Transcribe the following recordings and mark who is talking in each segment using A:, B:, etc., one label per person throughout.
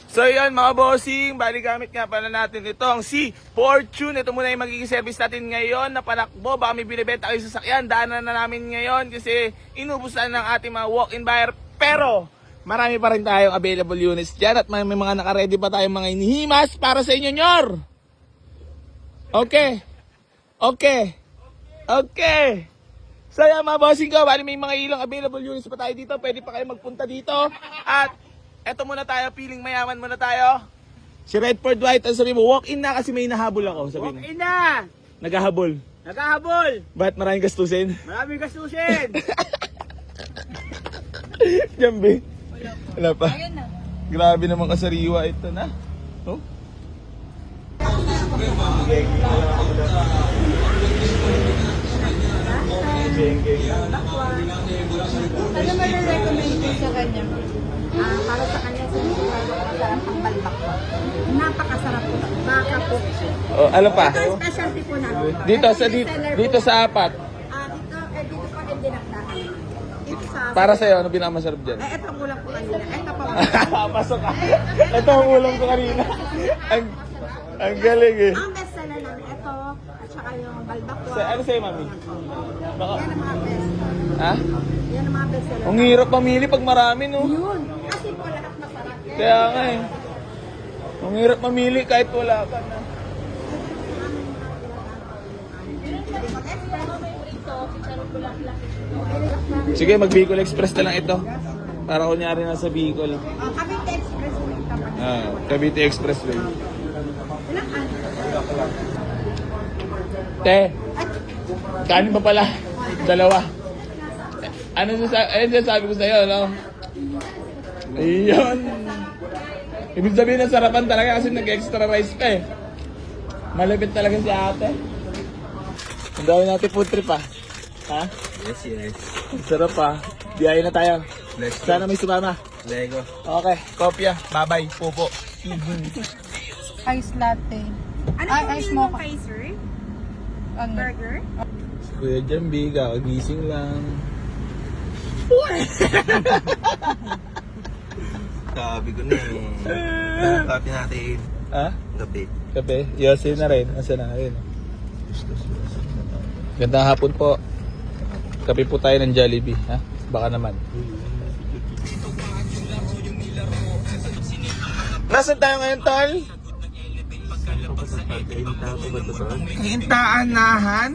A: So yun mga bossing, bali gamit nga pala natin itong si Fortune. Ito muna yung magiging service natin ngayon na panakbo. Baka may binibenta kayo sa sasakyan, daanan na namin ngayon kasi inubos na ng ating mga walk-in buyer. Pero marami pa rin tayong available units dyan at may mga naka-ready pa tayong mga inihimas para sa inyo, Nyor. Okay. So yan mga bossing ko, bali may mga ilang available units pa tayo dito. Pwede pa kayo magpunta dito. At eto muna tayo, feeling mayaman muna tayo. Si Redford White, ang sabi mo, walk-in na kasi may nahabol ako. Sabi mo.
B: Walk-in na!
A: Naghahabol.
B: Naghahabol!
A: Ba't maraming gastusin?
B: Maraming gastusin!
A: Jambi. Wala pa. Grabe naman kasariwa ito na. Oh?
C: Ano ba na-recommend ko sa kanya? Para sa kanya, sigurado masarap ang balbak po. Napakasarap po. Baka po.
A: Oh, ano pa?
C: Ito ang specialty po namin.
A: Dito
C: Ito
A: sa
C: yung seller
A: dito
C: po.
A: sa apat.
C: Dito pa yung dinakdakan. Dito sa...
A: Para sa ano pinakamasarap diyan?
C: Ito ang ulam ko kanina. Ito pa.
A: Pasok ka. Ito ang ulam ko kanina. Ang galing eh.
C: Ang best seller namin, ito, at saka yung balbakwa.
A: Ano sa'yo, mami? Baka,
C: Yan ang mga best.
A: ha?
C: Yan ang mga best seller.
A: Ang hirap mamili pag marami, no?
C: Yun. Kasi po lahat masarap.
A: Kaya nga eh. Ang hirap mamili kahit wala ka na. Sige, mag-Bicol Express na lang ito. Para kunyari nasa Bicol.
C: Cavite Express po yung kapag.
A: Cavite Expressway.
C: Ilang ano?
A: Te, kanin pa pala? Dalawa. Ano sabi ko sa'yo, no? Ayun. Ibig sabihin na sarapan talaga kasi nag-extra rice pa eh. Malapit talaga si ate. Ang dami natin food trip ah. Ha?
B: Yes.
A: Sarap ah. Biyahe na tayo.
B: Let's go.
A: Sana may sumama.
B: Lego.
A: Okay, kopya. Bye-bye. Pupo.
C: Ice latte.
D: Ano
C: Ay,
D: pong
C: ice
D: meal mo
C: mocha.
D: kay sir?
C: Ano?
D: Burger?
A: Si Kuya Jambi, kakagising lang.
B: Sabi ko na eh. Kapi natin.
A: Ha?
B: Gabi.
A: Kape? Yosin na rin. Asa na? Ayun. Gandang hapon po. Kape po tayo ng Jollibee. Ha? Baka naman. Nasaan tayo ngayon, Tol? Kahintaanahan?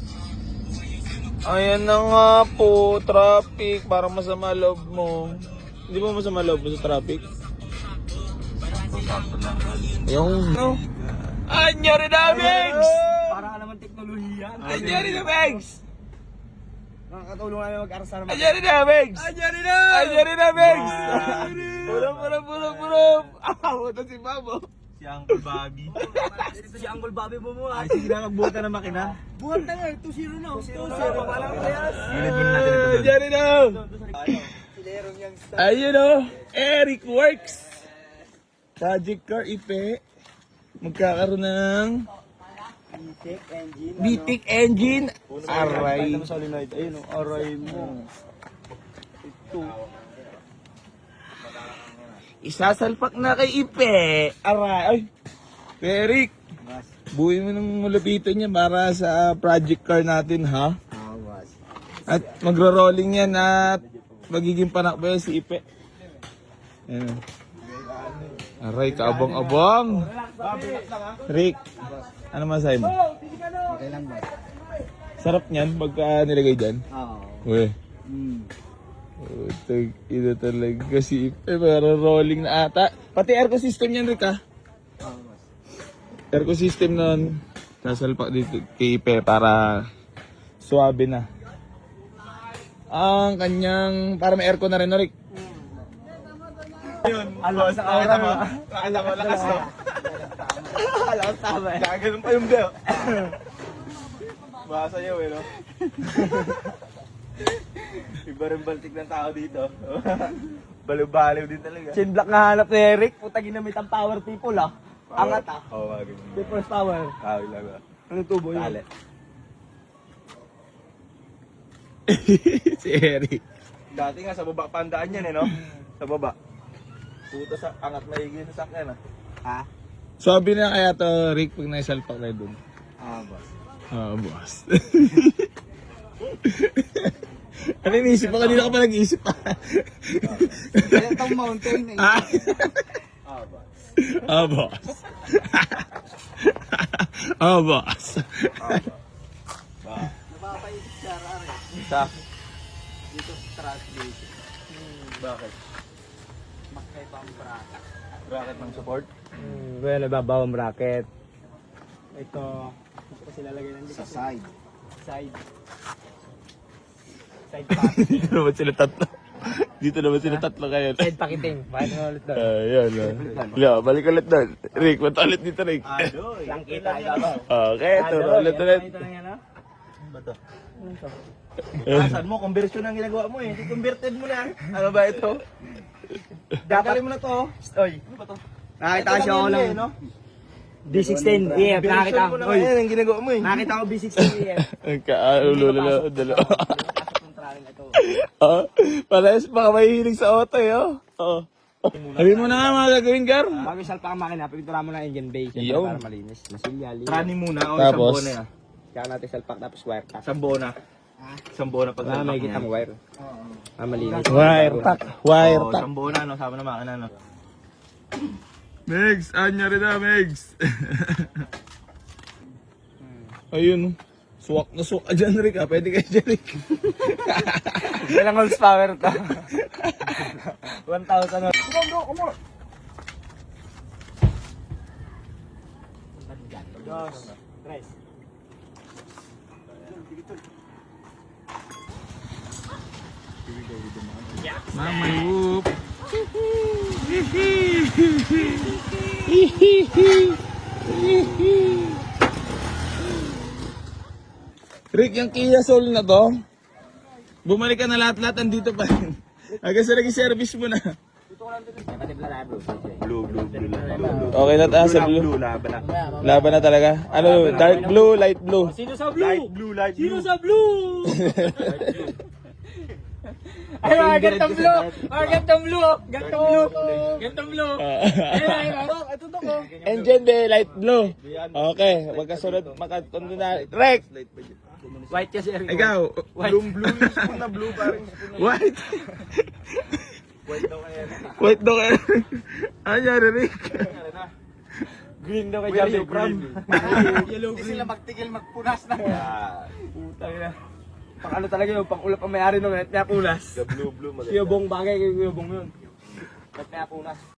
A: Ayan na nga po, traffic. Parang masama loob mo. Hindi mo masama loob mo sa traffic? Yung... No. Anyari na, Megs!
B: Para ka naman teknolohiya.
A: Anyari na, Megs!
B: Nakakatulong namin mag-aral sa naman.
A: Anyari na, Megs!
B: Anyari na!
A: Anyari na, Megs! Pulap! Puta si Babo.
B: Si Uncle Bobby. Si Uncle Bobby mo. Ay, sige na, magbuhat na ng makina. Buhat na nga, 2-0 na. 2-0. Walang playas. Gilid mo natin ito doon.
A: Anyari na! Ayun o, Eric Works! Project Car Ipe. Magkakaroon ng BTEC engine. Aray.
B: Ayun o, aray mo. Ito.
A: Isasalpak na kay Ipe. Aray. Ay. Eric. Buuin mo ng malapitan niya para sa project car natin, ha? At magro-rolling yan at magiging panakbo yan si Ipe. Ayan. Aray, kaabang-abang. Rick, ano masahe mo?
B: Okay lang ba?
A: Sarap niyan pagka nilagay dyan.
B: Oo.
A: Uy. Ito talaga si Ipe, pero rolling na ata. Pati aircon system yan, Rick, ha? Aircon system nun, sasalpak dito kay Ipe para suwabe na. Ang kanyang, para may aircon na rin, no, Rick?
B: Alam sa aura mo.
A: Alam mo, lakas to.
B: Alam ko tama eh.
A: Gaganon pa yung bell. Baka sa'yo eh, no? Iba rin baltik ng tao dito. Baliw-baliw din talaga.
B: Chin block nga hanap ni Eric. Puta ginamit ang power people ah. Angat ah.
A: Oo, mga ganyan.
B: People's power.
A: Kawin lang ah.
B: Anong tubo yun?
A: Tali. Si Eric. Dati nga sa baba pandaan yan eh, no? Sa baba. Puta sa angat maigi na sakyan ah.
B: Ha?
A: Sabi na kaya to Rick pag naisalpak na doon.
B: Boss.
A: Boss. Ano iniisip mo? Kanina ka pa nag-iisip pa.
B: Kaya itong mountain eh. Boss.
A: Boss. Boss.
B: Napapaisip siya, Rare.
A: Sa?
B: Dito sa translation.
A: Bakit?
B: Makay pang bracket.
A: Bracket ng support?
B: Well, nababaw ang bracket. Ito, ito kasi lalagay ng sa side. Side. Side packet.
A: Dito naman sila tatlo. Dito naman sila tatlo kayo.
B: Side packeting. Bakit mo ulit doon?
A: Ayan. Balik ulit doon. Rick, ba't ulit dito, Rick?
B: Lang kita ito.
A: Okay, turo ulit.
B: Ito lang yan, ha?
A: Ba to?
B: Ano to?
A: Saan mo? Conversion ang ginagawa mo eh. Converted mo na. Ano ba ito?
B: Dapat
A: mo na to.
B: Oy.
A: Ano ba to?
B: Nakita ko siya ako lang.
A: no?
B: B16 EF. Nakita ko.
A: mo na
B: Oy.
A: yan ang ginagawa mo eh.
B: Nakita ko B16 EF.
A: Ang kaalulo na dalawa.
B: Ito.
A: Parehas baka mahihilig sa auto eh, oh. Oo. Sabi mo na nga mga gagawin, Gar.
B: Bago isalpa ang makina, pipintura mo na engine bay. Siyempre
A: Yun.
B: para malinis. Masilya, linis.
A: Training muna o
B: Oh,
A: isang
B: ah.
A: buo na yan.
B: Kaya natin salpak tapos wire tack.
A: Isang buo na. Isang buo na pag
B: Wala may kitang wire. Malinis.
A: Wire tack. Wire
B: Oh,
A: tack.
B: isang buo na, no? Sama na makina, no?
A: Megs, anya rin na, Megs. Ayun. Suwak na suwak ka dyan, Rick. Pwede kayo dyan, Rick.
B: Ilang horsepower to? 1,000
A: Come on.
B: Dos. Tres.
A: Mama, whoop. Rick, yung Kia Soul na to, bumalik ka na lahat-lahat, andito pa rin. Hanggang sa naging service mo na.
B: Blue.
A: Okay na tayo sa blue.
B: Laban na.
A: Laban na talaga. Ano, dark blue, light blue.
B: Sino sa blue?
A: Light
B: Sino sa blue? Ay, mga gantong blue! Mga gantong blue! Gantong blue! Gantong blue! Ay, ito to ko.
A: Engine bay, light blue. Okay, magkasunod, makatundo na. Rex!
B: White kasi Eric.
A: Ikaw,
B: Blue.
A: spoon na blue parang. White. White daw kaya. Ano nangyari, Rick?
B: Green daw kay Javi. Yellow green.
C: Sila magtigil magpunas na.
B: Putang ina. Pang ano talaga yun, pang ulap ang may-ari nung net niya punas.
A: Blue,
B: Kiyobong bagay kay Kiyobong yun. Net niya punas.